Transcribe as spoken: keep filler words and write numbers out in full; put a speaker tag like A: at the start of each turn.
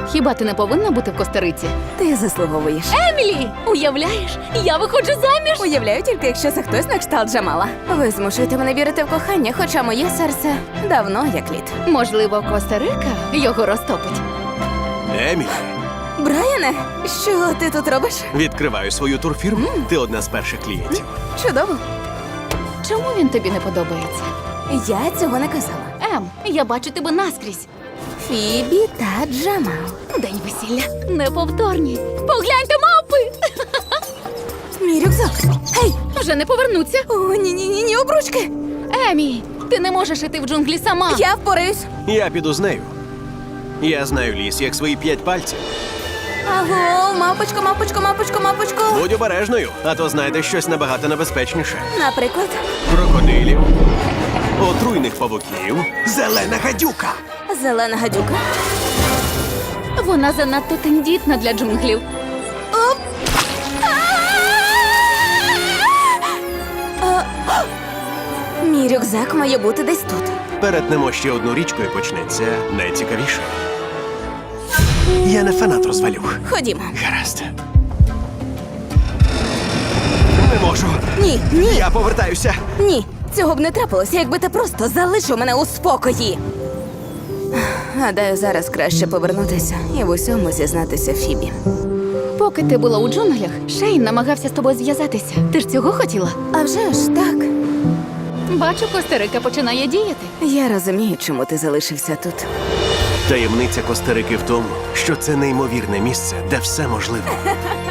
A: Хіба ти не повинна бути в Коста-Риці?
B: Ти заслуговуєш.
A: Емілі! Уявляєш, я виходжу заміж!
B: Уявляю тільки, якщо це хтось на кшталт Джамала. Ви змушуєте мене вірити в кохання, хоча моє серце давно як лід.
A: Можливо, Коста-Рика його розтопить.
C: Емілі,
B: Брайане, що ти тут робиш?
C: відкриваю свою турфірму. Ти одна з перших клієнтів.
B: Чудово.
A: Чому він тобі не подобається?
B: Я цього не казала.
A: Ем, я бачу тебе наскрізь.
B: Фібі та Джамал.
A: День весілля. Неповторні. Погляньте, мавпи!
B: Мій рюкзак. Гей!
A: Вже не повернуться.
B: О, ні-ні-ні, обручки.
A: Емі, ти не можеш іти в джунглі сама.
B: Я впораюсь.
C: Я піду з нею. Я знаю ліс, як свої п'ять пальців.
B: Аго, мапочко, мапочко, мапочко, мапочко.
C: Будь обережною, а то знайдеш щось набагато небезпечніше.
B: Наприклад,
C: Крокодилів, отруйних павуків, зелена гадюка.
B: зелена гадюка.
A: Вона занадто тендітна для джунглів.
B: Оп! А! Мій рюкзак має бути десь тут.
C: Перетнемо ще одну річку і почнеться найцікавіше. Я не фанат розвалюх.
B: Ходімо.
C: Гаразд. Не можу.
B: Ні, ні,
C: Я повертаюся.
B: ні. Цього б не трапилося, якби ти просто залишив мене у спокої. Гадаю, зараз краще повернутися і в усьому зізнатися Фібі.
A: Поки ти була у джунглях, Шейн намагався з тобою зв'язатися. Ти ж цього хотіла?
B: А вже ж так.
A: Бачу, Коста-Рика починає діяти.
B: Я розумію, чому ти залишився тут.
C: Таємниця Коста-Рики в тому, що це неймовірне місце, де все можливо.